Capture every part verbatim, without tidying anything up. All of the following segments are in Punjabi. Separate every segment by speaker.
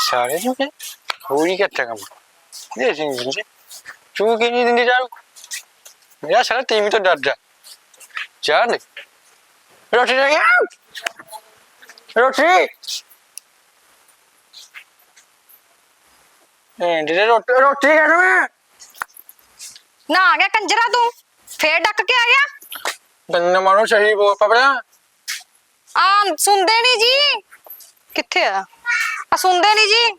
Speaker 1: सारे जो के पूरी करता काम ये सिंह जी चू के नहीं दिन जाओ मेरा सारा टीम तो डर जा चार नहीं रोटी रह गया रोटी ए दीदी रोटी रोटी कर मैं
Speaker 2: ना आ गया कंजरा तू फिर डक के आ गया
Speaker 1: बंदा मारो सही वो पकड़ा
Speaker 2: आ सुनते नहीं जी किथे आ आ सुनते नहीं जी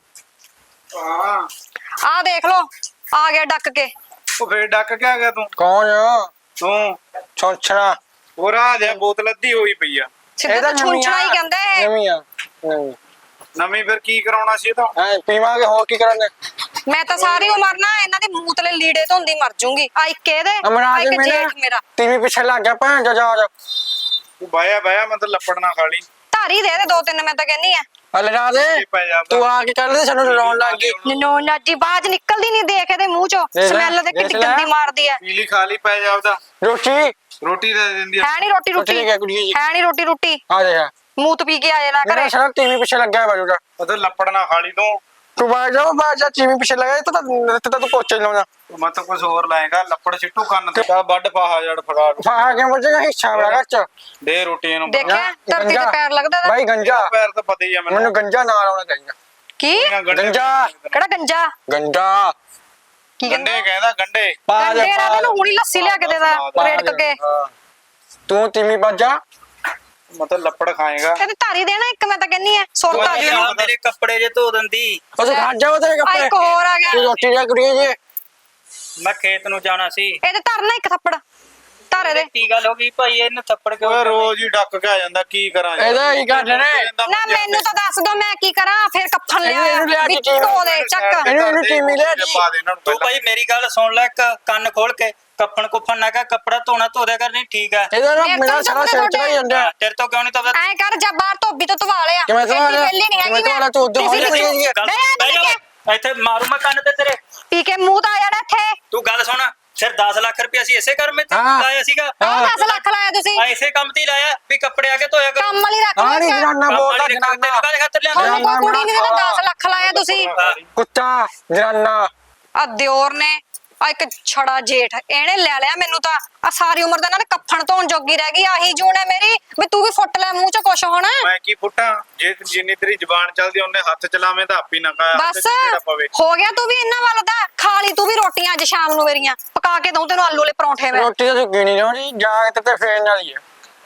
Speaker 3: हां
Speaker 2: आ देख लो आ गया डक के
Speaker 3: ਉਹ ਫੇਰ ਡੱਕ ਕੇ ਆ ਗਿਆ ਤੂੰ
Speaker 1: कौन है
Speaker 3: ਤੂੰ
Speaker 1: छोंछना
Speaker 3: ਉਹ ਰਾਜ ਹੈ ਬੋਤਲ ਅੱਧੀ ਹੋਈ ਪਈ ਆ
Speaker 2: ਸਿੱਧਾ ਤਾਂ ਛੁੰਛਣਾ ਹੀ ਕਹਿੰਦਾ ਹੈ
Speaker 1: नवी आ नवी
Speaker 3: ਨਵੀਂ ਫਿਰ ਕੀ ਕਰਾਉਣਾ ਸੀ ਇਹ ਤਾਂ
Speaker 1: हां पीवा के हो की करने
Speaker 2: ਮੈਂ ਤਾਂ ਸਾਰੀ ਉਮਰ ਨਾ ਇਹਨਾਂ ਦੇ ਮੂਤਲੇ ਲੀੜੇ ਧੋਂਦੀ ਮਰ ਜੂੰਗੀ ਆ ਇੱਕ ਇਹਦੇ ਆ
Speaker 1: अमराज
Speaker 2: ਇੱਕ
Speaker 1: मेरा
Speaker 2: ਜੇਠ ਮੇਰਾ
Speaker 1: टीवी पीछे लग गया भैन जा जा
Speaker 3: ਤੂੰ ਬਾਇਆ ਬਾਇਆ ਮੈਂ ਤਾਂ ਲੱਪੜ ਨਾ ਖਾ ਲਈ
Speaker 2: ਧਾਰੀ ਦੇ ਦੇ ਦੋ ਤਿੰਨ ਮੈਂ ਤਾਂ ਕਹਿੰਨੀ ਆ
Speaker 1: अरे राधे
Speaker 3: ਪੈ ਜਾ
Speaker 1: तू आके कर ले सनु रोन लग गई
Speaker 2: ਨੋ ਨਾਜੀ ਬਾਜ ਨਿਕਲਦੀ ਨਹੀਂ ਦੇਖ ਇਹਦੇ ਮੂੰਹ ਚੋਂ
Speaker 1: ਦੇਖ ਲੈ,
Speaker 2: ਸਮੈਲ ਤੇ ਕਿੱਡੀ
Speaker 1: ਦੇਖ ਲੈ।
Speaker 2: ਗੰਦੀ ਮਾਰਦੀ ਹੈ
Speaker 3: ਪੀਲੀ ਖਾ ਲਈ ਪੈ ਜਾ ਉਹਦਾ
Speaker 1: रोटी
Speaker 3: ਰੋਟੀ ਦੇ ਦਿੰਦੀ ਆ
Speaker 2: ਹੈ ਨਹੀਂ ਰੋਟੀ ਰੋਟੀ
Speaker 1: ठीक है कुड़ी जी
Speaker 2: ਹੈ ਨਹੀਂ ਰੋਟੀ ਰੋਟੀ
Speaker 1: आ जा
Speaker 2: ਮੂਤ ਪੀ ਕੇ ਆਏ ਨਾ
Speaker 1: मेरा
Speaker 2: ਘਰੇ
Speaker 1: सारा टीवी पीछे लग गया बाजू का
Speaker 3: ਉਹਦੇ ਲੱਪੜ ਨਾ ਖਾ ਲਈ ਤੂੰ
Speaker 1: तू बाहर जाओ बाहर जा टीवी पीछे लगा तो तो तो पोचे लाऊंगा
Speaker 3: ਮੈਂ ਤਾਂ ਕੁਝ ਹੋਰ ਲਾਏਗਾ ਲੱਪੜ ਸਿੱਟੂ ਕੰਨ ਤੇ ਤਾਂ ਵੱਡ ਪਾਹਾ ਜੜ ਫੜਾ ਲੂ।
Speaker 1: वहां आगे मुझे का हिस्सा लगा च
Speaker 3: ਦੇ ਰੋਟੀ ਇਹਨੂੰ
Speaker 2: ਦੇਖਿਆ ਧਰਤੀ ਤੇ ਪੈਰ ਲੱਗਦਾ ਇਹਦਾ।
Speaker 1: भाई गंजा
Speaker 3: ਪੈਰ ਤਾਂ ਪਤਾ ਹੀ ਆ ਮੈਨੂੰ
Speaker 1: मैंने गंजा ना लाना चाहिए
Speaker 2: ਕੀ
Speaker 3: ਇਹਨਾਂ ਗੰਢੇ
Speaker 1: ਗੰਜਾ।
Speaker 2: ਕਿਹੜਾ ਗੰਜਾ
Speaker 1: गंजा
Speaker 2: ਕੀ ਕਹਿੰਦਾ
Speaker 3: ਗੰਡੇ ਕਹਿੰਦਾ ਗੰਡੇ
Speaker 2: ਗੰਡੇ ਨਾਲ ਤੈਨੂੰ ਹੁਣੀ ਲੱਸੀ ਲਿਆ ਕੇ ਦੇਦਾ ਰੇੜਕ ਕੇ
Speaker 1: तू टीवी बाजा
Speaker 3: ਮਤਲਬ ਲੱਪੜ ਖਾਏਗਾ
Speaker 2: ਇਹਦੇ ਧਾਰੀ ਦੇਣਾ ਇੱਕ ਮੈਂ ਤਾਂ ਕਹਿੰਨੀ ਆ ਸੁੱਟ ਆ ਜੀ ਇਹਨੂੰ।
Speaker 4: ਮੇਰੇ ਕੱਪੜੇ ਜੇ ਧੋ ਦਿੰਦੀ
Speaker 1: और तू खा जाओ तेरे
Speaker 2: ਆ
Speaker 1: कपड़े
Speaker 2: ਇੱਕ ਹੋਰ ਆ ਗਿਆ
Speaker 1: तू रोटी जा कुड़ी जी
Speaker 4: ਮੈਂ ਖੇਤ ਨੂੰ ਜਾਣਾ ਸੀ
Speaker 2: ਇਹਦੇ ਧਰਨਾ ਇੱਕ ਥੱਪੜ ਧਾਰੇ ਦੇ
Speaker 4: ਕੀ ਗੱਲ ਹੋ ਗਈ ਭਾਈ ਇਹਨੂੰ ਥੱਪੜ ਕਿਉਂ
Speaker 3: ਓਏ ਰੋਜ਼ ਹੀ ਡੱਕ ਕੇ ਆ ਜਾਂਦਾ ਕੀ ਕਰਾਂ ਯਾਰ?
Speaker 1: ਇਹਦਾ ਹੀ ਕਰ ਨੇ
Speaker 2: ਨਾ ਮੈਨੂੰ ਤਾਂ ਦੱਸ ਦੋ ਮੈਂ ਕੀ ਕਰਾਂ ਫਿਰ ਕੱਫਨ
Speaker 1: ਇਹਨੂੰ- ਇਹਨੂੰ ਲਿਆ
Speaker 2: ਲਿਆ
Speaker 1: ਕੇ
Speaker 2: ਵੀ ਧੋ ਦੇ ਚੱਕ
Speaker 1: ਇਹਨੂੰ- ਇਹਨੂੰ ਟੀਮੀ ਲਿਆ ਜੀ।
Speaker 3: ਪਾ ਦੇ ਇਹਨਾਂ ਨੂੰ
Speaker 4: ਤੂੰ
Speaker 3: ਪਹਿਲਾਂ।
Speaker 4: ਭਾਈ ਮੇਰੀ ਗੱਲ ਸੁਣ ਲੈ ਇੱਕ ਕੰਨ ਖੋਲ ਕੇ ਕੱਪਣ ਕੁੱਫਣ ਨਾ ਕਰ ਕੱਪੜਾ ਧੋਣਾ ਧੋ ਦਿਆ ਕਰ ਨਹੀਂ ਠੀਕ ਹੈ
Speaker 1: ਇਹਦਾ ਨਾ
Speaker 2: ਇਹ
Speaker 1: ਮੇਰਾ
Speaker 2: ਤਾਂ
Speaker 1: ਸਾਰਾ ਸਿਰ
Speaker 2: ਤੁਹਾਡੇ-
Speaker 1: ਚੜਾ ਜਾਂਦਾ
Speaker 4: ਹਾਂ, ਤੇਰੇ ਤੋਂ ਕਿਉਂ ਨਹੀਂ ਧੋਦਾ
Speaker 2: ਐ ਕਰ ਜਾ ਬਾਹਰ ਧੋਬੀ ਤੋਂ ਧਵਾ ਲਿਆ
Speaker 1: ਕਿਵੇਂ ਧਵਾ ਲਿਆ?
Speaker 2: ਵੇਲੀ ਨਹੀਂ ਹੈਗੀ
Speaker 1: ਕਿਵੇਂ ਧਵਾ ਲਿਆ? ਤੂੰ ਉੱਧਰ
Speaker 2: ਤੁਸੀਂ
Speaker 1: ਹੋ ਜਾ,
Speaker 2: ਤੁਸੀਂ-
Speaker 1: ਗੱਲ-
Speaker 2: ਬਹਿ ਜਾ,
Speaker 4: ਬਹਿ ਜਾ, ਇੱਥੇ ਮਾਰੂ ਮੈਂ ਕੰਨ ਤੇ ਤੇਰੇ
Speaker 2: ਪੀ ਕੇ ਮੂੰਹ ਤਾਂ ਆ ਜਾਣਾ ਇੱਥੇ
Speaker 4: ਤੂੰ ਗੱਲ ਸੁਣ ਫਿਰ ਦਸ ਲੱਖ ਰੁਪਏ ਅਸੀਂ ਇਸੇ ਘਰ ਵਿੱਚ
Speaker 1: ਹਾਂ।
Speaker 4: ਲਾਇਆ ਸੀਗਾ
Speaker 2: ਆਹ ਦਸ ਲੱਖ ਲਾਇਆ ਤੁਸੀਂ
Speaker 4: ਆ ਇਸੇ ਕੰਮ ਤੇ ਹੀ ਲਾਇਆ ਵੀ ਕੱਪੜੇ ਆ ਕੇ ਧੋਇਆ ਕਰ
Speaker 2: ਕੰਮ ਵਾਲੀ ਰੱਖ
Speaker 1: ਹਾਂ ਨਹੀਂ
Speaker 2: ਲਓ
Speaker 1: ਜਨਾਨਾ
Speaker 4: ਕੰਮ
Speaker 1: ਬੋਲਦਾ
Speaker 4: ਵਾਲੀ ਰੱਖ, ਤੈਨੂੰ
Speaker 1: ਜਨਾਨਾ
Speaker 4: ਕਾਹਦੇ ਖਾਤਰ ਲਿਆਂਦਾ
Speaker 2: ਤੁਹਾਨੂੰ ਕੋਈ ਕੁੜੀ ਨਹੀਂ ਦੇਣਾ ਦਸ ਲੱਖ ਲਾਇਆ ਤੁਸੀਂ
Speaker 1: ਕੁੱਤਾ ਜਨਾਨਾ
Speaker 2: ਆ ਦਿਓਰ ਨੇ ਆ ਇੱਕ ਛੜਾ ਜੇਠ ਇਹਨੇ ਲੈ ਲਿਆ ਮੈਨੂੰ ਤਾਂ ਆ ਸਾਰੀ ਉਮਰ ਦਾ ਇਹਨਾਂ ਨੇ ਕੱਫਣ ਧੋਣ ਜੋਗੀ ਰਹਿ ਗਈ ਆਹੀ ਜੂਨ ਹੈ ਮੇਰੀ ਵੀ ਤੂੰ ਵੀ ਫੁੱਟ ਲੈ ਮੂੰਹ ਚ ਕੁਛ ਹੁਣ
Speaker 3: ਮੈਂ ਕੀ ਫੁੱਟਾਂ ਜੇ ਜਿੰਨੀ ਤੇਰੀ ਜ਼ਬਾਨ ਚੱਲਦੀ ਉਹਨੇ ਹੱਥ ਚਲਾਵੇਂ ਤਾਂ ਆਪੀ ਨਾ ਕਾ
Speaker 2: ਬਸ ਹੋ ਗਿਆ ਤੂੰ ਵੀ ਇਹਨਾਂ ਵੱਲ ਦਾ ਖਾ ਲਈ ਤੂੰ ਵੀ ਰੋਟੀਆਂ ਅੱਜ ਸ਼ਾਮ ਨੂੰ ਮੇਰੀਆਂ ਪਕਾ ਕੇ ਦਊਂ ਤੈਨੂੰ ਆਲੂ ਵਾਲੇ ਪਰੌਂਠੇ ਮੈਂ
Speaker 1: ਰੋਟੀ ਤਾਂ ਤੂੰ ਗਿਣੀ ਜਾਣੀ ਜਾ ਕੇ ਤੇ ਫੇਰਨ ਵਾਲੀ ਹੈ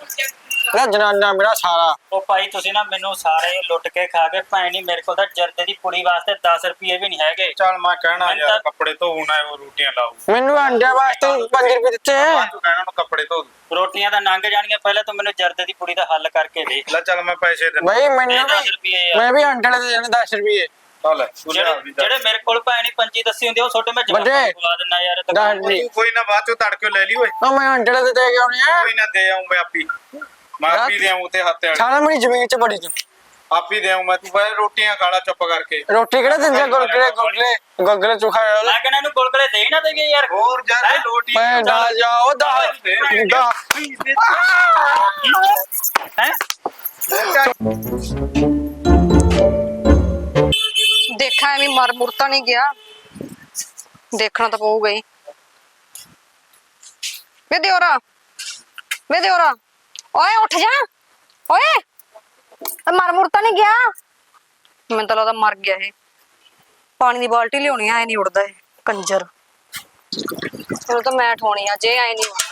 Speaker 1: ਨਾ ਜਨਾਨਾ ਮੇਰਾ ਸਾਰਾ
Speaker 4: ਉਹ ਭਾਈ ਤੁਸੀਂ ਨਾ ਮੈਨੂੰ ਸਾਰੇ ਲੁੱਟ ਕੇ ਖਾ ਕੇ ਭੈਣੀ ਮੇਰੇ ਕੋਲ ਤਾਂ ਜਰਦੇ ਦੀ ਪੁੜੀ ਵਾਸਤੇ ਦਸ ਰੁਪਏ ਵੀ ਨਹੀਂ ਹੈਗੇ
Speaker 3: ਚੱਲ ਮੈਂ ਕਹਿਣਾ
Speaker 4: ਮੈਂ
Speaker 3: ਯਾਰ
Speaker 4: ਤਾਂ-
Speaker 3: ਕੱਪੜੇ ਧੋਣਾ ਉਹ ਰੋਟੀਆਂ ਲਾਉ
Speaker 1: ਮੈਨੂੰ ਅੰਡੇ ਵਾਸਤੇ ਪੰਜ ਰੁਪਏ ਦਿੱਤੇ
Speaker 3: ਤੂੰ ਕਹਿਣਾ ਨੂੰ ਕੱਪੜੇ ਧੋ ਦੂ।
Speaker 4: ਰੋਟੀਆਂ ਤਾਂ ਲੰਘ ਜਾਣਗੀਆਂ ਪਹਿਲਾਂ ਤੂੰ ਮੈਨੂੰ ਜਰਦੇ ਦੀ ਪੁੜੀ ਦਾ ਹੱਲ ਕਰਕੇ ਦੇ
Speaker 3: ਲੈ ਚੱਲ ਮੈਂ ਪੈਸੇ ਦਿੰਦਾ
Speaker 1: ਭਾਈ ਮੈਨੂੰ
Speaker 4: ਇਹ ਦਸ
Speaker 1: ਵੀ
Speaker 4: ਰੁਪਏ ਆ
Speaker 1: ਮੈਂ ਵੀ ਅੰਡੇ ਦੇ ਦੇਣੇ ਦਸ ਰੁਪਏ
Speaker 3: ਚੱਲ ਤੂੰ ਲਿਆ
Speaker 4: ਜਿਹੜੇ
Speaker 3: ਵੀ ਦੱਸ।
Speaker 4: ਜਿਹੜੇ ਮੇਰੇ ਕੋਲ ਭੈਣੀ ਪੰਜੀ ਦੱਸੀ ਹੁੰਦੀ ਆ, ਉਹ ਛੋਟੇ ਮੈਂ ਜਵਾਬ
Speaker 1: ਵੱਡੇ।
Speaker 4: ਬੁਲਾ ਦਿੰਦਾ ਯਾਰ ਇਹ ਤਾਂ
Speaker 1: ਦਸ ਰੁਪਏ
Speaker 3: ਤੂੰ ਕੋਈ ਨਾ ਬਾਅਦ ਚੋਂ ਤੜਕੇ ਲੈ ਲਈ ਓਏ
Speaker 1: ਉਹ ਮੈਂ ਅੰਡੇ ਦੇ ਦੇ ਕੇ ਆਉਣੇ ਆ
Speaker 3: ਕੋਈ ਨਾ ਦੇ ਆਉਂ ਮੈਂ ਆਪੀ ਮੈਂ ਆਪੀ ਦੇ ਆਉਂ ਤੇ ਹੱਥ ਵਾਲੀ
Speaker 1: ਸਾਰਾ ਮੇਰੀ ਜ਼ਮੀਨ ਚ ਬੜੀ ਚ
Speaker 3: ਆਪੀ ਦੇ ਆਉਂ ਮੈਂ ਤੂੰ ਪਹਿਲਾਂ ਰੋਟੀਆਂ ਖਾਲਾ ਚੁੱਪ ਕਰਕੇ
Speaker 1: ਰੋਟੀ ਕਿਹੜਾ ਦਿੰਦੇ ਗੁਲਗੁਲੇ ਗੁਲਗੁਲੇ ਗੁਲਗੁਲੇ ਚੁਖਾ
Speaker 4: ਮੈਂ ਕਹਿੰਦਾ ਇਹਨੂੰ ਗੁਲਗੁਲੇ ਦੇ ਹੀ ਨਾ ਦੇਈਏ ਯਾਰ
Speaker 3: ਹੋਰ ਯਾਰ
Speaker 4: ਹੈਂ?
Speaker 3: ਰੋਟੀ
Speaker 1: ਮੈਂ ਦਾ ਜਾਓ ਦਾ ਦਾ
Speaker 4: ਹੈ
Speaker 2: ਦੇਖਾਂ ਐਵੇਂ ਮਰ ਮੁਰ ਤਾਂ ਨਹੀਂ ਗਿਆ ਦੇਖਣਾ ਤਾਂ ਪਊਗਾ ਹੀ ਵੇ ਦਿਓਰਾ ਵੇ ਦਿਓਰਾ ਓਏ ਉੱਠ ਜਾ ਓਏ ਇਹ ਮਰ ਮੁਰ ਤਾਂ ਨਹੀਂ ਗਿਆ ਮੈਨੂੰ ਤਾਂ ਲੱਗਦਾ ਮਰ ਗਿਆ ਇਹ ਪਾਣੀ ਦੀ ਬਾਲਟੀ ਲਿਆਉਣੀ ਐ ਨਹੀਂ ਉੱਡਦਾ ਇਹ ਕੰਜਰ ਚਲੋ ਤਾਂ ਮੈਂ ਠੋਣੀ ਆ ਜੇ ਐ ਨਹੀਂ ਉੱਡਦਾ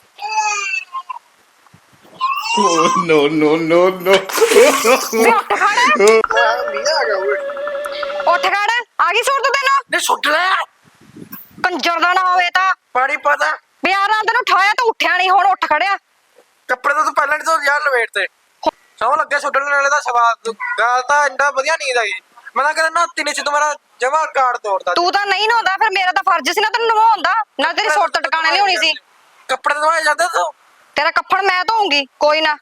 Speaker 3: ਨੋ ਨੋ ਨੋ ਨੋ
Speaker 2: ਵੇ ਉੱਠ ਖੜ ਉੱਠ ਖੜ ਆ ਗਈ ਸੁੱਟ ਤੈਨੂੰ
Speaker 1: ਨੇ ਸੁੱਟ ਲੈ
Speaker 2: ਕੰਜਰ ਦਾ ਨਾ ਹੋਵੇ ਤਾਂ
Speaker 1: ਪਾਣੀ ਪਤਾ
Speaker 2: ਬਿਆਰ ਨਾਲ ਤੈਨੂੰ ਠਾਇਆ ਤਾਂ ਉੱਠਿਆ ਨਹੀਂ ਹੁਣ ਉੱਠ ਖੜਿਆ
Speaker 1: ਕੱਪੜੇ ਤਾਂ ਤੂੰ ਪਹਿਲਾਂ ਨਹੀਂ ਤੋਂ ਯਾਰ ਲਵੇਟ ਤੇ ਸੌ ਲੱਗੇ ਸੁੱਟਣ ਵਾਲੇ ਦਾ ਸਵਾਦ ਗੱਲ ਤਾਂ ਇੰਨਾ ਵਧੀਆ ਨੀਂਦ ਆਈ ਮੈਂ ਤਾਂ ਕਹਿੰਦਾ ਨਾ ਤਿੰਨੇ ਚ ਤੁਹਾਡਾ ਜਮਾ ਕਾਰਡ ਤੋੜਦਾ
Speaker 2: ਤੂੰ ਤਾਂ ਨਹੀਂ ਨਹਾਉਂਦਾ ਫਿਰ ਮੇਰਾ ਤਾਂ ਫਰਜ਼ ਸੀ ਨਾ ਤੈਨੂੰ ਨਵਾਉਣ ਦਾ ਨਾ ਤੇਰੀ ਸੁੱਟ ਟਿਕਾਣੇ ਲਿਆਉਣੀ ਸੀ
Speaker 1: ਕੱਪੜੇ ਧਵਾਏ ਜਾਂਦੇ ਤੂੰ
Speaker 2: ਤੇਰਾ ਕੱਫਣ ਮੈਂ ਧੋਉਂਗੀ ਕੋਈ ਨਾ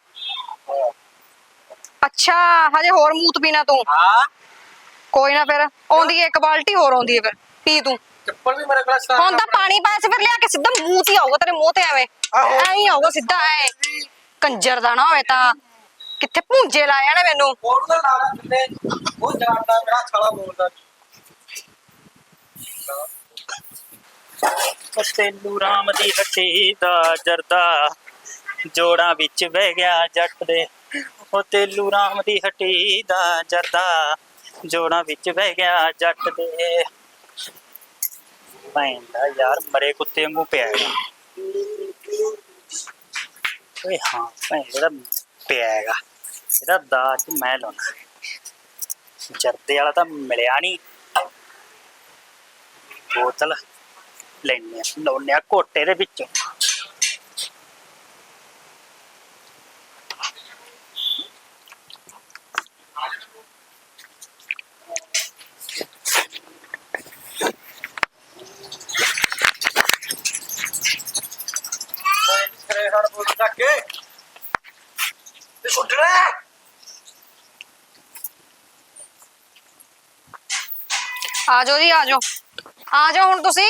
Speaker 2: ਅੱਛਾ ਹਜੇ ਹੋਰ ਮੂਤ ਪੀਣਾ ਤੂੰ
Speaker 1: ਹਾਂ
Speaker 2: ਕੋਈ ਨਾ ਫਿਰ ਆਉਂਦੀ ਹੈ ਇੱਕ ਬਾਲਟੀ ਹੋਰ ਆਉਂਦੀ ਹੈ ਫਿਰ ਪੀ ਤੂੰ
Speaker 1: ਚੱਪਲ ਵੀ ਮੇਰੇ ਕੋਲ ਸਟਾਰ
Speaker 2: ਹੁਣ ਤਾਂ ਪਾਣੀ ਪਾਇਆ ਸੀ ਫਿਰ ਲਿਆ ਕੇ ਸਿੱਧਾ ਮੂੰਹ ਤੇ ਆਊਗਾ ਤੇਰੇ ਮੂੰਹ ਤੇ ਐਵੇਂ
Speaker 1: ਆਹੋ।
Speaker 2: ਐਂ ਹੀ ਆਊਗਾ ਸਿੱਧਾ ਐ ਕੰਜਰ ਦਾ ਨਾ ਹੋਵੇ ਤਾਂ ਕਿੱਥੇ ਭੂੰਜੇ ਲਾਇਆ ਨੇ ਮੈਨੂੰ।
Speaker 1: ਹੋਰ ਤਾਂ ਲਾ ਲੈ ਥੱਲੇ ਉਹ ਜਾਣਦਾ ਮੇਰਾ ਸਾਲਾ ਬੋਲਦਾ
Speaker 4: ਉਹ ਤੇਲੂ ਰਾਮ ਦੀ ਹੱਟੀ ਦਾ ਜਰਦਾ ਜੋੜਾਂ ਵਿੱਚ ਬਹਿ ਗਿਆ ਜੱਟ ਦੇ। ਉਹ ਤੇਲੂ ਰਾਮ ਦੀ ਹੱਟੀ ਦਾ ਜਰਦਾ ਜੋੜਾਂ ਵਿੱਚ ਬਹਿ ਗਿਆ ਜੱਟ ਦੇ। ਭੈਣ ਦਾ ਯਾਰ ਮਰੇ ਕੁੱਤੇ ਵਾਂਗੂ ਪਿਆ ਹੈਗਾ। ਓਏ ਹਾਂ ਭੈਣ ਇਹਦਾ ਪਿਆ ਹੈਗਾ। ਇਹਦਾ ਦਾਜ ਮੈਂ ਲਾਉਣਾ। ਜਰਦੇ ਵਾਲਾ ਤਾਂ ਮਿਲਿਆ ਨਹੀਂ। ਬੋਤਲ ਲੈਣੇ ਲਾਉਣੇ ਆ ਘੋਟੇ ਦੇ ਵਿੱਚੋਂ।
Speaker 1: ਕਰੇ ਹਰ ਬੋਲ ਚੱਕ ਕੇ ਤੇ ਉੱਡਣਾ
Speaker 2: ਆ ਜਾਓ ਜੀ ਆ ਜਾਓ ਆ ਜਾਓ ਹੁਣ ਤੁਸੀਂ।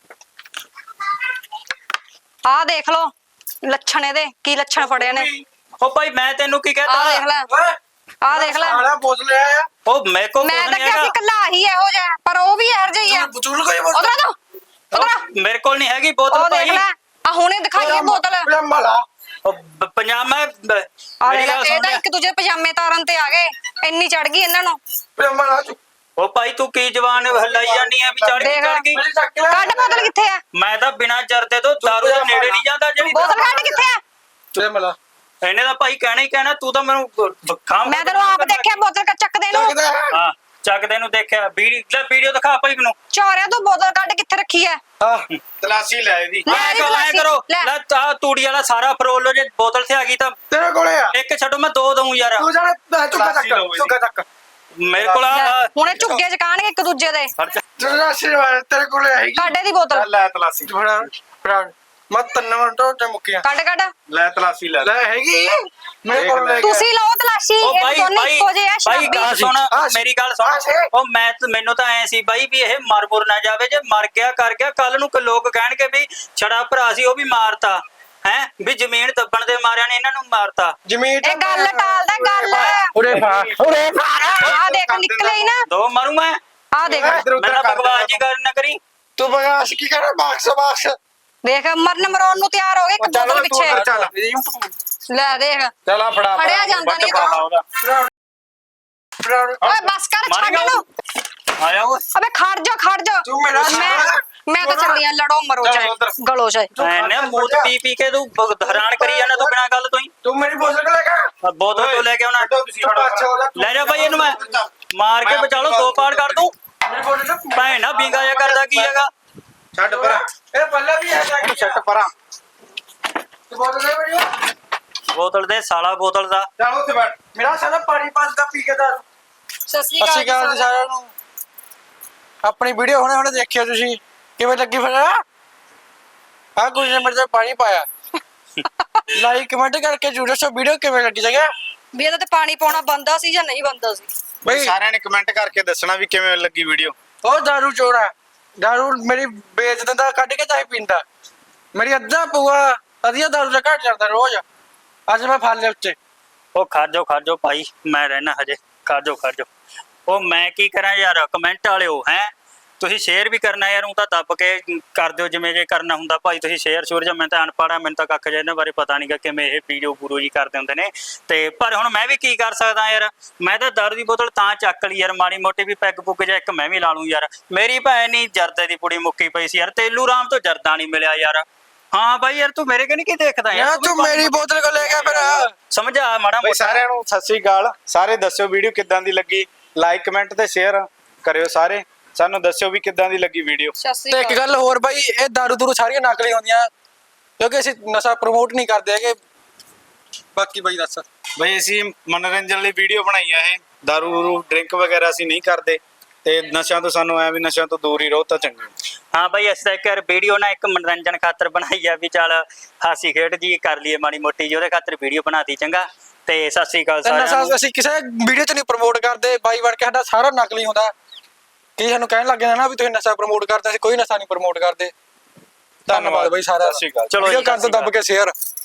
Speaker 2: ਆ ਦੇਖ ਲਓ ਲੱਛਣ ਇਹਦੇ ਕੀ ਲੱਛਣ ਫੜੇ ਨੇ।
Speaker 4: ਉਹ ਭਾਈ ਮੈਂ ਤੈਨੂੰ ਕੀ
Speaker 2: ਆ
Speaker 4: ਕਹਤਾ?
Speaker 2: ਦੇਖ ਲੈ
Speaker 1: ਓਏ
Speaker 2: ਆ ਦੇਖ ਲੈ।
Speaker 1: ਸਾਲਾ ਬੋਲ ਲਿਆ ਆ
Speaker 4: ਉਹ ਮੈਂ ਕੋ
Speaker 2: ਮੈਂ ਤਾਂ ਕਿਹਾ ਸੀ ਕੱਲਾ ਹੀ ਇਹੋ ਜਿਹਾ ਪਰ ਉਹ ਵੀ ਇਹੋ ਜਿਹਾ ਹੀ ਆ।
Speaker 1: ਬਚੂਲ ਕੋਈ ਬੋਲ
Speaker 2: ਉਧਰ ਆ ਜਾਓ ਉਧਰ
Speaker 4: ਮੇਰੇ ਕੋਲ ਨਹੀਂ ਹੈਗੀ ਬੋਤਲ
Speaker 2: ਉਹ ਦੇਖ
Speaker 4: ਭਾਈ।
Speaker 2: ਲੈ ਆ ਹੁਣੇ ਦਿਖਾਈਏ ਬੋਤਲ।
Speaker 1: ਮਲਾ
Speaker 4: ਉਹ ਬ- ਪੰਜਾਬ ਮੈਂ ਬ-
Speaker 2: ਆ
Speaker 4: ਮੇਰੀ
Speaker 2: ਦੇਖ ਲੈ
Speaker 4: ਗੱਲ ਸੁਣ
Speaker 2: ਇਹ ਤਾਂ
Speaker 4: ਲੈ।
Speaker 2: ਇੱਕ ਦੂਜੇ ਪਜਾਮੇ ਤਾਰਨ ਤੇ ਆ ਗਏ। ਇੰਨੀ ਚੜ ਗਈ ਇਹਨਾਂ ਨੂੰ।
Speaker 1: ਮਲਾ
Speaker 4: ਉਹ ਭਾਈ ਤੂੰ ਕੀ ਜਵਾਨ ਹਲਾਈ ਜਾਨੀ ਆ ਵੀ ਚੜ ਗਈ
Speaker 2: ਦੇਖ।
Speaker 4: ਚੜ ਗਈ।
Speaker 1: ਮੇਰੀ ਚੱਕ ਲੈ
Speaker 2: ਕੱਢ ਬੋਤਲ ਕਿੱਥੇ ਆ।
Speaker 4: ਮੈਂ ਤਾਂ ਬਿਨਾਂ ਜਰਦੇ ਤੋਂ ਦਾਰੂ ਦੇ ਨੇੜੇ ਨਹੀਂ ਜਾਂਦਾ ਜਿਹੜੀ
Speaker 2: ਬੋਤਲ ਕੱਢ ਕਿੱਥੇ ਆ।
Speaker 1: ਤੇ ਮਲਾ
Speaker 4: ਇਹਨੇ ਤਾਂ ਭਾਈ ਕਹਿਣਾ ਹੀ ਕਹਿਣਾ। ਤੂੰ ਤਾਂ ਮੈਨੂੰ ਖਾਮ
Speaker 2: ਮੈਂ ਤੈਨੂੰ ਆਪ ਦੇਖਿਆ ਬੋਤਲ ਕ- ਚੱਕਦੇ ਨੂੰ।
Speaker 1: ਚੱਕਦਾ
Speaker 4: ਹਾਂ ਚੱਕਦੇ ਨੂੰ ਦੇਖਿਆ। ਵੀਡੀਓ ਲੈ ਵੀਡੀਓ ਦਿਖਾ ਭਾਈ ਮੈਨੂੰ।
Speaker 2: ਚੋਰਿਆ ਤੂੰ ਬੋਤਲ ਕੱਢ ਕਿੱਥੇ ਰੱਖੀ ਐ।
Speaker 1: ਹਾਂ
Speaker 3: ਤਲਾਸ਼ੀ ਲੈ ਇਹਦੀ
Speaker 2: ਲੈ
Speaker 4: ਐ
Speaker 2: ਇਹਦੀ
Speaker 4: ਕਰੋ ਐ
Speaker 2: ਤਲਾਸ਼ੀ,
Speaker 4: ਕਰੋ
Speaker 2: ਲੈ।
Speaker 4: ਲੈ ਤਾ ਤੂੜੀ ਵਾਲਾ ਸਾਰਾ ਫਰੋਲ ਲੋ। ਜੇ ਬੋਤਲ ਤੇ ਆ ਗਈ ਤਾਂ
Speaker 1: ਤੇਰੇ ਕੋਲੇ ਆ
Speaker 4: ਇੱਕ ਛੱਡੋ ਮੈਂ ਦੋ ਦਊਂ ਯਾਰ।
Speaker 1: ਤੂੰ ਜਾਣੇ ਚੁੱਕਾ
Speaker 3: ਤਲਾਸ਼ੀ ਲਓ
Speaker 1: ਚੱਕ
Speaker 3: ਇਹਦੀ।
Speaker 1: ਚੁੱਕਾ ਚੱਕ
Speaker 4: ਮੇਰੇ ਕੋਲ ਆ
Speaker 2: ਲੈ, ਹੁਣੇ ਝੁੱਗੇ ਚ ਕਾਣਗੇ ਇੱਕ ਦੂਜੇ ਦੇ।
Speaker 4: ਖਰਚ
Speaker 1: ਤੇਰਾ ਆਸ਼ੀਰਵਾਦ ਤੇਰੇ ਕੋਲੇ ਆਏਗੀ
Speaker 2: ਕੱਢ ਇਹਦੀ ਬੋਤਲ
Speaker 3: ਲੈ ਤਲਾਸ਼ੀ
Speaker 1: ਫੜਾ ਫੜਾ ਮੈਂ ਤਿੰਨ ਮਿੰਟ ਤੇ ਮੁੱਕਿਆ
Speaker 2: ਕੱਢ ਕੱਢ।
Speaker 3: ਲੈ ਤਲਾਸ਼ੀ ਲੈ
Speaker 1: ਲੈ ਹੈਗੀ ਮੇਰੇ ਕੋਲ ਲੈ ਕੇ
Speaker 2: ਤੁਸੀਂ ਲਓ ਤਲਾਸ਼ੀ
Speaker 4: ਉਹ
Speaker 2: ਇਹ
Speaker 4: ਬਾਈ
Speaker 2: ਦੋਨੇ
Speaker 4: ਬਾਈ
Speaker 2: ਇੱਕੋ ਜਿਹੇ ਆ
Speaker 4: ਬਾਈ
Speaker 2: ਸ਼ਰਾਬੀ।
Speaker 4: ਗੱਲ ਸੁਣ
Speaker 1: ਆ ਸੀ,
Speaker 4: ਮੇਰੀ ਗੱਲ
Speaker 1: ਆ
Speaker 4: ਸੁਣ।
Speaker 1: ਸੀ।
Speaker 4: ਉਹ ਮੈਂ ਮੈਨੂੰ ਤਾਂ ਐ ਸੀ ਬਾਈ ਵੀ ਇਹ ਮਰ ਮੁਰ ਨਾ ਜਾਵੇ। ਜੇ ਮਰ ਗਿਆ ਕਰ ਗਿਆ ਕੱਲ ਨੂੰ ਕੋਈ ਲੋਕ ਕਹਿਣਗੇ ਵੀ ਛੜਾ ਭਰਾ ਸੀ ਉਹ ਵੀ ਮਾਰਤਾ ਹੈ ਵੀ ਜ਼ਮੀਨ ਦੱਬਣ ਦੇ ਮਾਰਿਆਂ ਨੇ ਇਹਨਾਂ ਨੂੰ ਮਾਰਤਾ।
Speaker 1: ਜ਼ਮੀਨ
Speaker 2: ਇਹ ਗੱਲ ਟਾਲਦਾ ਗੱਲ।
Speaker 1: ਉਰੇ ਫਾ ਉਰੇ ਫਾ
Speaker 2: ਆ ਦੇਖ ਨਿਕਲੇ ਹੀ ਨਾ।
Speaker 4: ਦੋ ਮਾਰੂ ਮੈਂ।
Speaker 2: ਆ ਦੇਖ
Speaker 1: ਇੱਧਰ
Speaker 4: ਮੈਂ
Speaker 1: ਉੱਧਰ
Speaker 4: ਤਾਂ
Speaker 1: ਕਰ
Speaker 4: ਬਕਵਾਸ ਜੀ ਗੱਲ ਨਾ ਕਰੀ।
Speaker 1: ਤੂੰ ਬਗਾਸ ਕੀ ਕਰ ਬਾਕਸ ਬਾਕਸ
Speaker 2: ਦੇਖ ਮਰਨ ਮਰੋਣ ਨੂੰ ਤਿਆਰ ਹੋ ਗਏ ਇੱਕ ਬੋਤਲ ਪਿੱਛੇ।
Speaker 1: ਚੱਲ
Speaker 2: ਲੈ ਦੇਖ
Speaker 1: ਚੱਲ ਆ ਫੜਾ
Speaker 2: ਫੜਿਆ ਜਾਂਦਾ ਨਹੀਂ
Speaker 3: ਫੜਾ ਉਹਦਾ
Speaker 2: ਓਏ ਬਸ ਕਰ ਛੱਡ
Speaker 4: ਮਾਰੇਗਾ
Speaker 2: ਇਹਨੂੰ।
Speaker 4: ਆਇਆ ਉਹ
Speaker 2: ਅਬੇ ਖੜ ਜਾ ਖੜ ਜਾ।
Speaker 1: ਤੂੰ ਮੇਰਾ
Speaker 2: ਮੈਂ
Speaker 1: ਸਾਲਾ।
Speaker 2: ਮੈਂ ਤਾਂ ਚੱਲੀ ਆ ਲੜੋ ਮਰੋ
Speaker 1: ਚੱਲ
Speaker 2: ਚਾਹੇ
Speaker 1: ਉੱਧਰ।
Speaker 2: ਗਲੋ ਚਾਹੇ।
Speaker 4: ਐਨੇ ਮੂਤ ਪੀ ਪੀ ਕੇ ਤੂੰ ਬ- ਹੈਰਾਨ ਕਰੀ ਜਾਂਦਾ ਤੂੰ ਬਿਨਾਂ ਗੱਲ ਤੋਂ ਹੀ।
Speaker 1: ਤੂੰ ਮੇਰੀ ਬੋਤਲ ਲੈ ਕੇ
Speaker 4: ਆ ਬੋਤਲ ਤੋਂ ਲੈ ਕੇ ਆਉਣਾ। ਲੈ ਜਾ ਬਾਈ ਇਹਨੂੰ ਮੈਂ ਮਾਰ ਕੇ ਬਚਾ ਲਓ। ਦੋ ਪਾੜ ਕਰ ਦੂੰ।
Speaker 1: ਮੇਰੀ ਬੋਤਲ
Speaker 4: ਭੈਣ ਨਾ ਬਿੰਗਾ ਜਿਹਾ ਕਰਦਾ ਕੀ ਹੈਗਾ।
Speaker 3: ਛੱਡ ਪਰਾਂ
Speaker 1: ਇਹ ਪੱਲਾ ਵੀ ਹੈ
Speaker 3: ਇਹਨੂੰ ਛੱਡ ਪਰਾਂ
Speaker 1: ਤੂੰ ਬੋਤਲ ਲੈ ਮੇਰੀ
Speaker 4: ਬੋਤਲ ਦੇ ਸਾਲਾ ਬੋਤਲ ਦਾ।
Speaker 3: ਚੱਲ ਉੱਥੇ ਬੈਠ
Speaker 1: ਮੇਰਾ ਸਾਲਾ ਪਾਣੀ ਪਾਸਦਾ ਪੀ ਕੇ ਦਾਰੂ
Speaker 2: ਸਤਿ
Speaker 1: ਸਤਿ ਸ਼੍ਰੀ ਅਕਾਲ ਜੀ ਸਾਰਿਆਂ ਨੂੰ। ਆਪਣੀ ਵੀਡੀਓ ਹੁਣੇ ਹੁਣੇ ਦੇਖਿਓ ਤੁਸੀਂ ਕਿਵੇਂ ਲੱਗੀ ਫਿਰ ਆ ਕੁਝ ਨੇ ਮੇਰੇ ਤੇ ਪਾਣੀ ਪਾਇਆ। ਲਾਈਕ ਕਮੈਂਟ ਕਰਕੇ ਜਰੂਰ ਦੱਸੋ ਵੀਡੀਓ ਕਿਵੇਂ ਲੱਗੀ ਜਗਾ
Speaker 2: ਵੀ ਇਹਦਾ ਤੇ ਪਾਣੀ ਪਾਉਣਾ ਬੰਦਾ ਸੀ ਜਾਂ ਨਹੀਂ ਬੰਦਾ ਸੀ।
Speaker 1: ਬਈ
Speaker 3: ਸਾਰਿਆਂ ਨੇ ਕਮੈਂਟ ਕਰਕੇ ਦੱਸਣਾ ਵੀ ਕਿਵੇਂ ਲੱਗੀ ਵੀਡੀਓ।
Speaker 1: ਉਹ ਦਾਰੂ ਚੋਰਾ ਦਾਰੂ ਮੇਰੀ ਵੇਚ ਦਿੰਦਾ ਕੱਢ ਕੇ ਚਾਹੇ ਪੀਂਦਾ। ਮੇਰੀ ਅੱਧਾ ਪੂਆ ਅਧੀਆ ਦਾਰੂ ਦਾ ਘਟ ਜਾਂਦਾ ਰੋਜ਼। ਅੱਜ ਮੈਂ ਫੜ ਲਿਆ ਉੱਤੇ
Speaker 4: ਉਹ ਖੜ ਜਾਓ ਖੜ ਜਾਓ ਭਾਈ ਮੈਂ ਰਹਿਣਾ ਹਜੇ। ਖੜ ਜਾਓ ਖੜ ਜਾਓ। ਉਹ ਮੈਂ ਕੀ ਕਰਾਂ ਯਾਰ ਕਮੈਂਟ ਵਾਲਿਓ ਹੈ। ਤੁਸੀਂ ਸ਼ੇਅਰ ਵੀ ਕਰਨਾ ਯਾਰ। ਉਹ ਤਾਂ ਦੱਬ ਕੇ ਕਰ ਦਿਓ ਜਿਵੇਂ ਜੇ ਕਰਨਾ ਹੁੰਦਾ ਭਾਈ। ਤੁਸੀਂ ਸ਼ੇਅਰ ਸ਼ੂਰ ਜਾਂ ਮੈਂ ਤਾਂ ਅਨਪੜ੍ਹ ਆ ਮੈਨੂੰ ਤਾਂ ਕੱਖ ਜਿਹਾ ਇਹਨਾਂ ਬਾਰੇ ਪਤਾ ਨਹੀਂਗਾ ਕਿਵੇਂ ਇਹ ਵੀਡੀਓ ਪੂਰੋ ਜੀ ਕਰਦੇ ਹੁੰਦੇ ਨੇ। ਤੇ ਪਰ ਹੁਣ ਮੈਂ ਵੀ ਕੀ ਕਰ ਸਕਦਾ ਯਾਰ। ਮੈਂ ਤਾਂ ਦਾਰੂ ਦੀ ਬੋਤਲ ਤਾਂ ਚੱਕ ਲਈ ਯਾਰ ਮਾੜੀ ਮੋਟੀ ਵੀ ਪੈਗ ਪੁੱਗ ਜਾਂ ਇੱਕ ਮੈਂ ਵੀ ਲਾ ਲੂੰ ਯਾਰ। ਮੇਰੀ ਭੈਣ ਨਹੀਂ ਜਰਦੇ ਦੀ ਪੁੜੀ ਮੁੱਕੀ ਪਈ ਸੀ ਯਾਰ। ਤੇਲੂ ਰਾਮ ਤੋਂ ਜਰਦਾ ਨਹੀਂ ਮਿਲਿਆ ਯਾਰ। ਹਾਂ ਬਾਈ ਯਾਰ ਤੂੰ ਮੇਰੇ ਕਨੀ ਕੀ ਦੇਖਦਾ
Speaker 1: ਯਾਰ ਤੂੰ ਮੇਰੀ ਬੋਤਲ ਕੋ ਲੈ ਗਿਆ ਫਿਰ
Speaker 4: ਸਮਝਾ ਮਾੜਾ
Speaker 3: ਬਈ
Speaker 4: ਮੋਟਾ।
Speaker 3: ਸਾਰਿਆਂ ਨੂੰ ਸਤਿ ਸ੍ਰੀ ਅਕਾਲ। ਸਾਰੇ ਦੱਸਿਓ ਵੀਡੀਓ ਕਿੱਦਾਂ ਦੀ ਲੱਗੀ। ਲਾਈਕ ਕਮੈਂਟ ਤੇ ਸ਼ੇਅਰ ਕਰਿਓ ਸਾਰੇ। ਸਾਨੂੰ ਦੱਸਿਓ ਵੀ ਕਿੱਦਾਂ ਦੀ ਲੱਗੀ ਵੀਡੀਓ।
Speaker 2: ਸਤਿ ਸ੍ਰੀ
Speaker 1: ਤੇ ਇੱਕ
Speaker 2: ਅਕਾਲ।
Speaker 1: ਗੱਲ ਹੋਰ ਬਾਈ ਇਹ ਦਾਰੂ ਦੂਰੂ ਸਾਰੀਆਂ ਨਕਲੀ ਹੁੰਦੀਆਂ ਕਿਉਂਕਿ ਅਸੀਂ ਨਸ਼ਾ ਪ੍ਰਮੋਟ ਨਹੀਂ ਕਰਦੇ ਹੈਗੇ। ਬਾਕੀ ਬਾਈ ਦੱਸ
Speaker 3: ਬਈ ਅਸੀਂ ਮਨੋਰੰਜਨ ਲਈ ਵੀਡੀਓ ਬਣਾਈ ਆ ਇਹ। ਦਾਰੂ ਡਰਿੰਕ ਵਗੈਰਾ ਅਸੀਂ ਨਹੀਂ ਕਰਦੇ ਤੇ ਨਸ਼ਿਆਂ ਤੋਂ ਸਾਨੂੰ ਐ ਵੀ ਨਸ਼ਿਆਂ ਤੋਂ ਦੂਰ ਹੀ ਰਹੋ ਤਾਂ ਚੰਗਾ।
Speaker 4: ਹਾਂ ਬਾਈ ਅਸੀਂ ਤਾਂ ਇੱਕ ਯਾਰ ਵੀਡੀਓ ਨਾ ਇੱਕ ਮਨੋਰੰਜਨ ਖਾਤਰ ਬਣਾਈ ਆ ਵੀ ਚੱਲ ਹਾਸੀ ਖੇਡ ਜੀ ਕਰ ਲਈਏ ਮਾੜੀ ਮੋਟੀ ਜੀ। ਉਹਦੇ ਖਾਤਰ ਵੀਡੀਓ ਬਣਾਤੀ ਚੰਗਾ। ਤੇ ਸਤਿ ਸ੍ਰੀ ਅਕਾਲ
Speaker 1: ਤੇ
Speaker 4: ਸਾਰਿਆਂ
Speaker 1: ਨਸ਼ਾ
Speaker 4: ਨੂੰ।
Speaker 1: ਅਸੀਂ ਕਿਸੇ ਵੀਡੀਓ 'ਚ ਨਹੀਂ ਪ੍ਰਮੋਟ ਕਰਦੇ। ਬਾਈ ਬਣ ਕੇ ਸਾਡਾ ਸਾਰਾ ਨਕਲੀ ਹੁੰਦਾ। ਕੀ ਸਾਨੂੰ ਕਹਿਣ ਲੱਗ ਜਾਂਦਾ ਨਾ ਵੀ ਤੁਸੀਂ ਨਸ਼ਾ ਪ੍ਰਮੋਟ ਕਰਦੇ। ਅਸੀਂ ਕੋਈ ਨਸ਼ਾ ਨਹੀਂ ਪ੍ਰਮੋਟ ਕਰਦੇ। ਧੰਨਵਾਦ ਬਾਈ ਸਾਰਿਆਂ
Speaker 3: ਸਤਿ ਸ਼੍ਰੀ
Speaker 1: ਦਾ।
Speaker 3: ਅਕਾਲ।
Speaker 4: ਚਲੋ
Speaker 1: ਵੀਡੀਓ
Speaker 4: ਜੀ,
Speaker 1: ਕਰ
Speaker 4: ਸਤਿ
Speaker 1: ਦਿਓ
Speaker 4: ਸ਼੍ਰੀ
Speaker 1: ਦੱਬ ਕੇ ਸ਼ੇਅਰ।